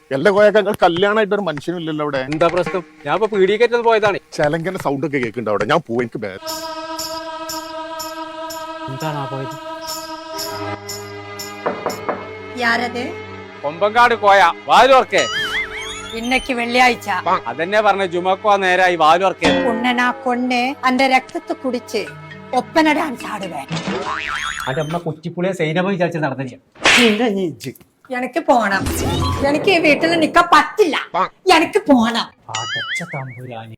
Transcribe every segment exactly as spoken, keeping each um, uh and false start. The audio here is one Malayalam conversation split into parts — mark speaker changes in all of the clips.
Speaker 1: എല്ലാ കോയക്ക കല്യാണമായിട്ട് ഒരു മനുഷ്യനില്ലല്ലോ അവിടെ.
Speaker 2: എന്താ പ്രശ്നം? ഞാൻ ഇപ്പൊ പീഡിയക്കേറ്റത് പോയതാണ്.
Speaker 1: ചെലങ്കന്റെ സൗണ്ട് ഒക്കെ കേൾക്കുന്നുണ്ട് അവിടെ. ഞാൻ പോവും, എനിക്ക് ബേ-
Speaker 2: എന്താണ് പോയത്?
Speaker 3: യാരത്
Speaker 2: കൊമ്പങ്കാട് കോയ വാലുവർക്കേ.
Speaker 3: ഇന്നക്ക് വെള്ളിയാഴ്ച
Speaker 2: അതെന്നെ പറഞ്ഞ ജുമക്കോ നേരായി വാലുവർക്കേ.
Speaker 3: ഉണ്ണനാ കൊണ്ണ് അന്റെ രക്തത്തെ കുടിച്ച് ഒപ്പന ഡാൻസ് ആടുവേ.
Speaker 2: അന്റെ അമ്മ കുറ്റിപ്പുളിയെ സൈനമ വിചാരിച്ച് നടന്നില്ല.
Speaker 3: എനിക്ക് പോണം. എനിക്ക് ഈ വീട്ടിൽ നിക്കാൻ പറ്റില്ല. എനിക്ക് പോണം.
Speaker 2: അടച്ച തമ്പുരാനി.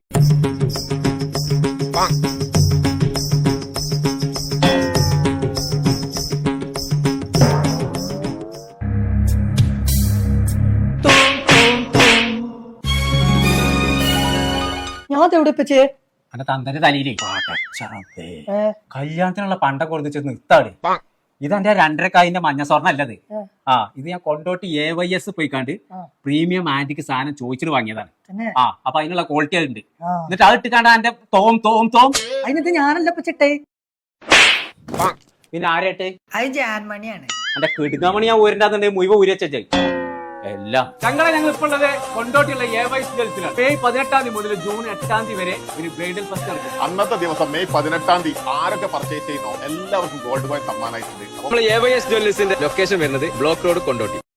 Speaker 3: ഞാൻ തെവിടിപ്പിച്ച്
Speaker 2: അന്റെ തന്തന്റെ തലയിലേ കല്യാണത്തിനുള്ള പണ്ടൊക്കെ കൊടുത്ത് നിർത്താട്. ഇത് എന്റെ രണ്ടരക്കായിന്റെ മഞ്ഞ സ്വർണ്ണം അല്ലത്. ആ ഇത് ഞാൻ കൊണ്ടോട്ട് എ വൈ എസ് പോയിക്കാണ്ട് പ്രീമിയം ആന്റിക്ക് സാധനം ചോദിച്ചിട്ട് വാങ്ങിയതാണ്. ആ അപ്പൊ അതിനുള്ള ക്വാളിറ്റി ഉണ്ട്. എന്നിട്ട് അത് ഇട്ടിക്കാണ്ട് എന്റെ തോം തോം തോം
Speaker 3: അതിനകത്ത് ഞാനല്ല പച്ചിട്ടേ.
Speaker 2: പിന്നെ ആരായിട്ട്
Speaker 3: അത് ജാൻമണിയാണ്.
Speaker 2: എന്റെ കിടുങ്ങാമണി ഞാൻ ഊരണ്ടാന്നുണ്ടെങ്കിൽ മുഴുവൻ ഊരച്ചായി എല്ലാം. ഞങ്ങളെ ഞങ്ങൾ ഇപ്പോൾ ഉള്ളത് കൊണ്ടോട്ടിയുള്ള എ വൈ ഗേൾസിലാണ്. മെയ് പതിനെട്ടാം തീയതി മുതൽ ജൂൺ എട്ടാം തീയതി വരെ ഒരു ബ്രൈഡൽ ഫസ്റ്റ് നടക്കും.
Speaker 1: അന്നത്തെ ദിവസം മെയ് പതിനെട്ടാം തീയതി ആരൊക്കെ പർച്ചേസ് ചെയ്യുന്നോ എല്ലാവർക്കും ഗോൾഡ് കോയിൻ സമ്മാനമായിട്ടുണ്ട്.
Speaker 4: നമ്മൾ എ വൈ എസ് ജ്വല്ലേഴ്സിന്റെ ലൊക്കേഷൻ വരുന്നത് ബ്ലോക്ക് റോഡ് കൊണ്ടോട്ടി.